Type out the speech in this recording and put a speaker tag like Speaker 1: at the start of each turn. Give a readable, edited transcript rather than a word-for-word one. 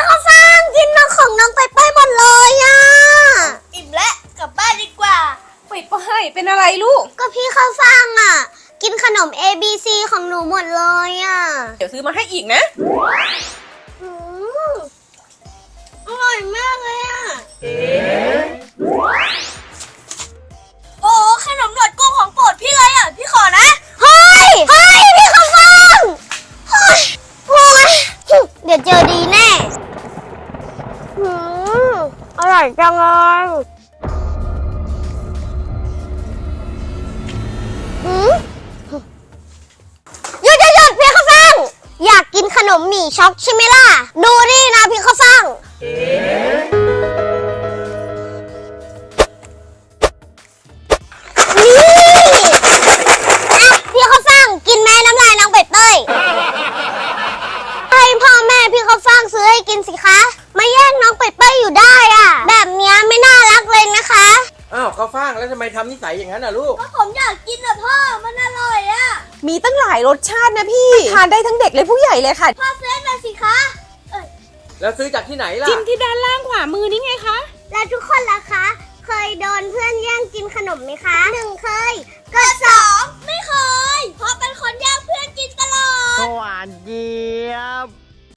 Speaker 1: ข้าวฟ่างกินน้องของน้องไปหมดเลยอ่ะ
Speaker 2: อิ่มแล้วกลับบ้านดีกว่า
Speaker 3: ไปเป็นอะไรลูก
Speaker 1: ก็พี่ข้าวฟ่างอ่ะกินขนม ABC ของหนูหมดเลยอ่ะ
Speaker 3: เดี๋ยวซื้อมาให้อีกนะ
Speaker 1: อร่อยมากเลยอ่ะ
Speaker 2: โอ้ขนมหนวดกุ้งของโปรดพี่เลยอ่ะพี่ขอนะ
Speaker 1: เฮ้ยพี่ข้าวฟ่างเฮ้ยเดี๋ยวเจอดีแน่อร่อยจังเลยหยุดพี่ข้าวฟ่างอยากกินขนมหมี่ช็อกใช่ไหมล่ะดูนี่นะพี่ข้าวฟ่างพี่ข้าวฟ่างกินแม่น้ำลายน้องเป็ดเต้ยให้พ่อแม่พี่ข้าวฟ่างซื้อให้กินสิคะมาแย่งน้องเป็ดเต้ยอยู่ได้อ่ะแบบนี้ไม่น่ารักเลยนะคะ
Speaker 4: อ้าวข้าวฟ่างแล้วทำไมทำนิสัยอย่างนั้นน่ะลูก
Speaker 2: ก็ผมอยากกินอ่ะพ่อมันอร่อยอ่ะ
Speaker 3: มีตั้งหลายรสชาตินะพี่ทานได้ทั้งเด็กและผู้ใหญ่เลยค่ะ
Speaker 2: พ่อซื้อมาสิคะ
Speaker 4: แล้วซื้อจากที่ไหนล่ะ
Speaker 3: จิ้มที่ด้านล่างขวามือนี่ไงคะ
Speaker 1: แล้วทุกคนล่ะคะเคยโดนเพื่อนแย่งกินขนมไหมคะ1เคยกด
Speaker 2: 2ไม่เคยเพราะเป็นคนแย่งเพื่อนกินตลอด
Speaker 5: หวานเจี๊ยบ